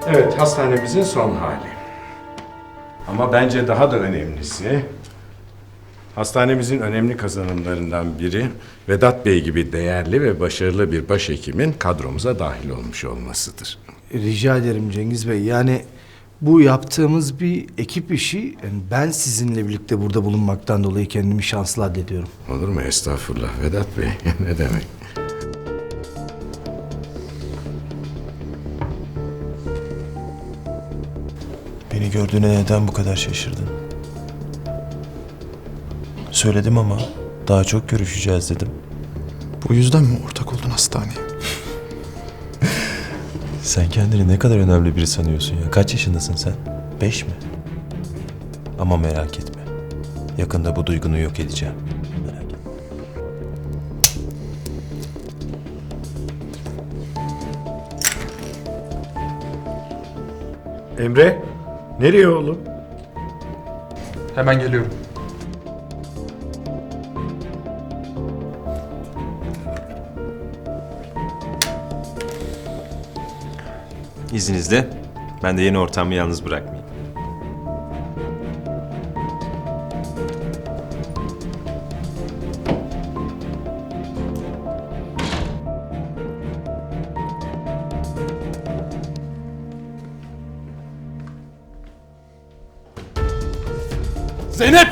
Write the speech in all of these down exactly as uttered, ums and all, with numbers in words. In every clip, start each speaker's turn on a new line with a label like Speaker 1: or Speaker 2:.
Speaker 1: Evet, hastanemizin son hali. Ama bence daha da önemlisi, hastanemizin önemli kazanımlarından biri Vedat Bey gibi değerli ve başarılı bir başhekimin kadromuza dahil olmuş olmasıdır.
Speaker 2: Rica ederim Cengiz Bey. Yani bu yaptığımız bir ekip işi. Yani ben sizinle birlikte burada bulunmaktan dolayı kendimi şanslı addediyorum.
Speaker 1: Olur mu? Estağfurullah Vedat Bey. Ne demek?
Speaker 3: Beni gördüğüne neden bu kadar şaşırdın? Söyledim ama daha çok görüşeceğiz dedim.
Speaker 4: Bu yüzden mi ortak oldun hastaneye?
Speaker 3: Sen kendini ne kadar önemli biri sanıyorsun ya? Kaç yaşındasın sen? Beş mi? Ama merak etme. Yakında bu duygunu yok edeceğim. Merak etme.
Speaker 1: Emre, nereye oğlum?
Speaker 4: Hemen geliyorum.
Speaker 3: İzninizle ben de yeni ortamı yalnız bırakmayayım.
Speaker 4: Zeynep!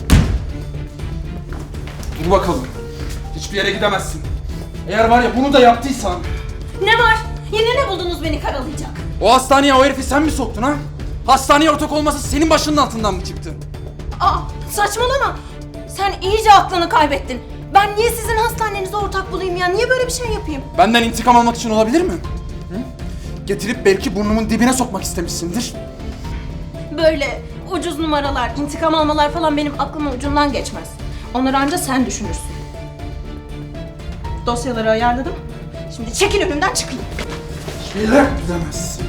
Speaker 4: Dur bakalım. Hiçbir yere gidemezsin. Eğer var ya bunu da yaptıysan...
Speaker 5: Ne var? Yine ne buldunuz beni karalayacak?
Speaker 4: O hastaneye o herifi sen mi soktun ha? Hastaneye ortak olması senin başının altından mı çıktı?
Speaker 5: Aa, saçmalama. Sen iyice aklını kaybettin. Ben niye sizin hastanenize ortak bulayım ya? Niye böyle bir şey yapayım?
Speaker 4: Benden intikam almak için olabilir mi? Hı? Getirip belki burnumun dibine sokmak istemişsindir.
Speaker 5: Böyle ucuz numaralar, intikam almalar falan benim aklımın ucundan geçmez. Onları anca sen düşünürsün. Dosyaları ayarladım. Şimdi çekil önümden çıkayım.
Speaker 4: Hiçbir yere gidemezsin.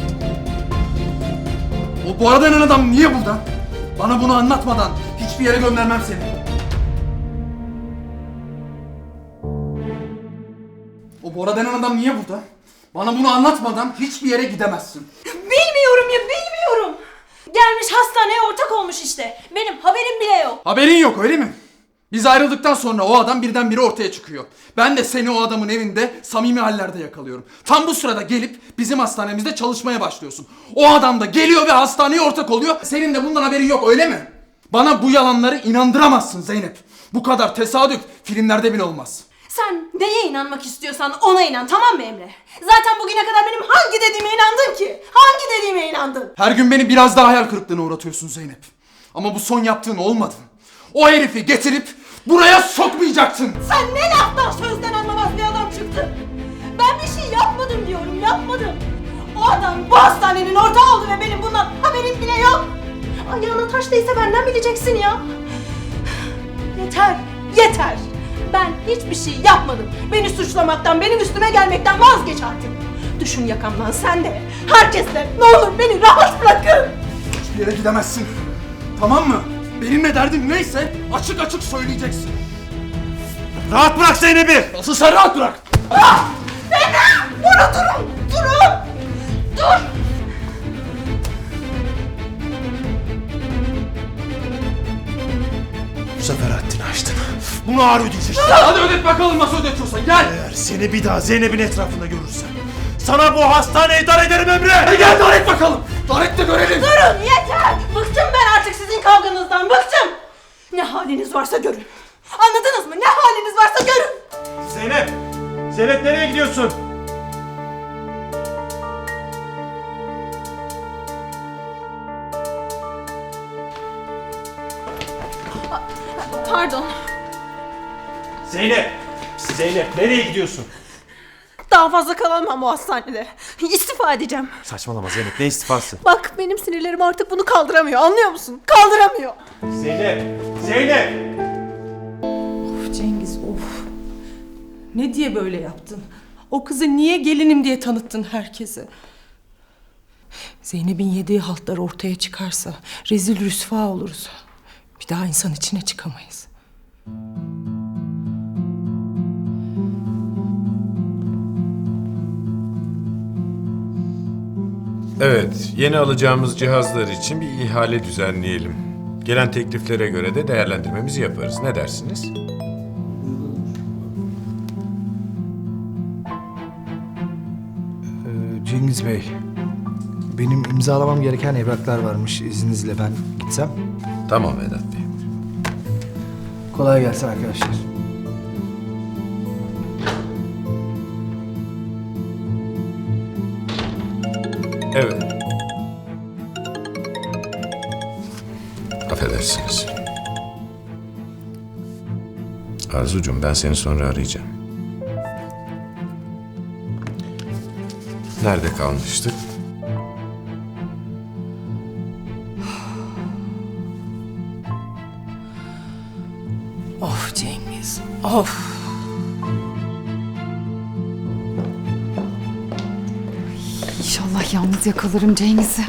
Speaker 4: O bu arada denen adam niye burada? Bana bunu anlatmadan hiçbir yere göndermem seni. O Bora denen adam niye burada? Bana bunu anlatmadan hiçbir yere gidemezsin.
Speaker 5: Bilmiyorum ya, bilmiyorum. Gelmiş hastaneye ortak olmuş işte. Benim haberim bile yok.
Speaker 4: Haberin yok öyle mi? Biz ayrıldıktan sonra o adam birdenbire ortaya çıkıyor. Ben de seni o adamın evinde samimi hallerde yakalıyorum. Tam bu sırada gelip bizim hastanemizde çalışmaya başlıyorsun. O adam da geliyor ve hastaneye ortak oluyor. Senin de bundan haberin yok öyle mi? Bana bu yalanları inandıramazsın Zeynep. Bu kadar tesadüf filmlerde bile olmaz.
Speaker 5: Sen neye inanmak istiyorsan ona inan, tamam mı Emre? Zaten bugüne kadar benim hangi dediğime inandın ki? Hangi dediğime inandın?
Speaker 4: Her gün beni biraz daha hayal kırıklığına uğratıyorsun Zeynep. Ama bu son yaptığın olmadı. O herifi getirip buraya sokmayacaktın.
Speaker 5: Sen ne laftan sözden anlamaz bir adam çıktın. Ben bir şey yapmadım diyorum, yapmadım. O adam bu hastanenin ortağı oldu ve benim bundan haberim bile yok. Ayağına taş değse benden bileceksin ya. Yeter, yeter. Ben hiçbir şey yapmadım. Beni suçlamaktan, benim üstüme gelmekten vazgeç artık. Düşün yakamdan sen de, herkes de. Ne olur beni rahat bırakın.
Speaker 4: Hiçbir yere gidemezsin. Tamam mı? Benimle derdin neyse açık açık söyleyeceksin.
Speaker 3: Rahat bırak Zeynep'i!
Speaker 4: Asıl sen rahat bırak.
Speaker 5: Ah! Emre! Burada durun! Durun! Dur!
Speaker 3: Bu sefer haddini aştın. Bunu ağır ödeyeceksin.
Speaker 4: Hadi ödet bakalım nasıl ödetiyorsan gel.
Speaker 3: Eğer seni bir daha Zeynep'in etrafında görürsem sana bu hastaneyi dar ederim Emre!
Speaker 4: Hadi gel dar et bakalım. Dar et de görelim.
Speaker 5: Durun yeter! Bıktım ben artık sizin kavganızdan, bıktım! Ne haliniz varsa görün. Anladınız mı? Ne haliniz varsa görün!
Speaker 3: Zeynep! Zeynep nereye gidiyorsun?
Speaker 5: Pardon.
Speaker 3: Zeynep! Zeynep nereye gidiyorsun?
Speaker 5: Daha fazla kalamam bu hastanede. İstifa edeceğim.
Speaker 3: Saçmalama Zeynep, ne istifası?
Speaker 5: Bak benim sinirlerim artık bunu kaldıramıyor, anlıyor musun? Kaldıramıyor.
Speaker 3: Zeynep! Zeynep!
Speaker 6: Of Cengiz of. Ne diye böyle yaptın? O kızı niye gelinim diye tanıttın herkese? Zeynep'in yediği haltlar ortaya çıkarsa rezil rüsva oluruz. Bir daha insan içine çıkamayız.
Speaker 1: Evet, yeni alacağımız cihazlar için bir ihale düzenleyelim. Gelen tekliflere göre de değerlendirmemizi yaparız. Ne dersiniz?
Speaker 2: Ee, Cengiz Bey, benim imzalamam gereken evraklar varmış. İzninizle ben gitsem.
Speaker 1: Tamam Vedat Bey.
Speaker 2: Kolay gelsin arkadaşlar.
Speaker 1: Evet. Affedersiniz. Arzucuğum, ben seni sonra arayacağım. Nerede kalmıştık?
Speaker 6: Of Cengiz, of.
Speaker 7: İnşallah yalnız yakalarım Cengiz'i.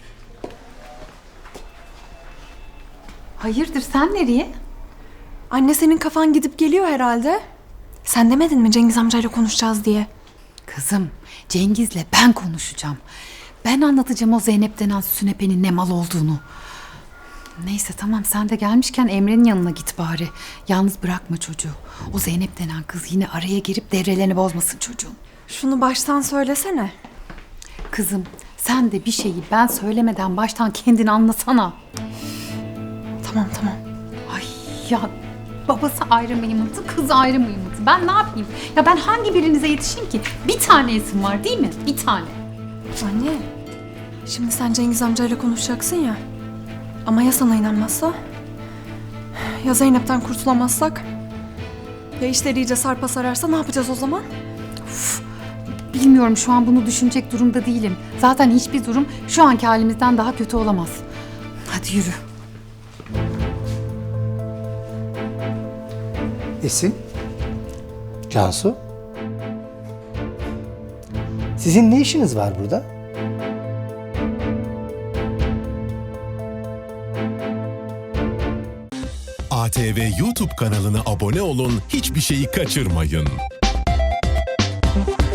Speaker 7: Hayırdır, sen nereye?
Speaker 5: Anne, senin kafan gidip geliyor herhalde. Sen demedin mi Cengiz amcayla konuşacağız diye?
Speaker 7: Kızım, Cengiz'le ben konuşacağım. Ben anlatacağım o Zeynep denen sünepenin ne mal olduğunu. Neyse tamam, sen de gelmişken Emre'nin yanına git bari. Yalnız bırakma çocuğu. O Zeynep denen kız yine araya girip devrelerini bozmasın çocuğun.
Speaker 5: Şunu baştan söylesene.
Speaker 7: Kızım, sen de bir şeyi ben söylemeden baştan kendini anlasana.
Speaker 5: Tamam tamam.
Speaker 7: Ay ya, babası ayrı mı yımıltı, kız ayrı mı yımıltı? Ben ne yapayım? Ya ben hangi birinize yetişeyim ki? Bir tane isim var değil mi? Bir tane.
Speaker 5: Anne, şimdi sen Cengiz amcayla konuşacaksın ya. Ama ya sana inanmazsa? Ya Zeynep'ten kurtulamazsak? Ya işler iyice sarpa sararsa ne yapacağız o zaman?
Speaker 7: Bilmiyorum, şu an bunu düşünecek durumda değilim. Zaten hiçbir durum şu anki halimizden daha kötü olamaz. Hadi yürü.
Speaker 2: Esin, Cansu. Sizin ne işiniz var burada?
Speaker 8: A T V YouTube kanalına abone olun, hiçbir şeyi kaçırmayın.